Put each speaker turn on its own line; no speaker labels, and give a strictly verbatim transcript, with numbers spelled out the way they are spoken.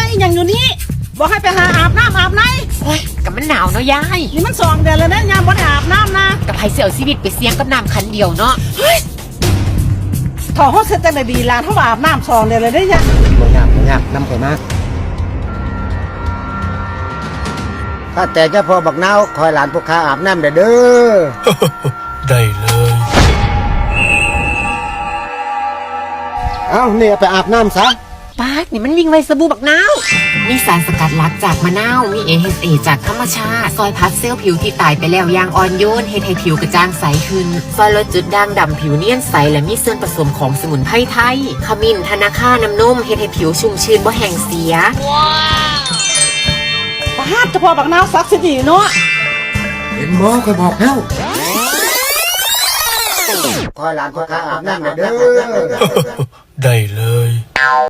ยังอยู่นี่บอกให้ไปหาอาบน้ำอาบไหน
โอ้ยกับมันหนาวเนาะยาย
นี่มันสองเดือนแล้วนะยามบ่ได้อาบน้ำนะ
กับไผเสี่ยวชีวิตไปเสี่ยงกับน้ำคันเดียวเนาะ
ถอดห้องเสร็จจังได้ดีลานเท่าอาบน้ำสองเดือนเลยได้ยัง
บ่ยากบ่ยากนำข่อยมาถ้าแต่เจ้าพ่อบักนาวคอยหลานพวกข้าอาบน้ำเด้อเด้อ
ได้เลย
เอ้าเนี่ยไปอาบน้ำซะ
ปาดนี่มันวิ่งไวสบู่บักนาวมีสารสกัดลักจากมะนาวมี เอ เอช เอ จากธรรมชาติซอยพัดเซลล์ผิวที่ตายไปแล้วอย่างอ่อนโยนเฮ็ดให้ผิวกระจ่างใสขึ้นซอยลดจุดด่างดำผิวเนียนใสและมีส่วนผสมของสมุนไพรไทยขมิ้นธนาคาน้ำนมเฮ็ดให้ผิวชุ่มชื้นบ่แห้งเสีย
ว้าวเฉพาะบักนาวซักสิดีเนาะ
เห็นหมอคอยบอกแล้วคอยหลานพวกข้าอาบน้ำเด้อ
ได้เลย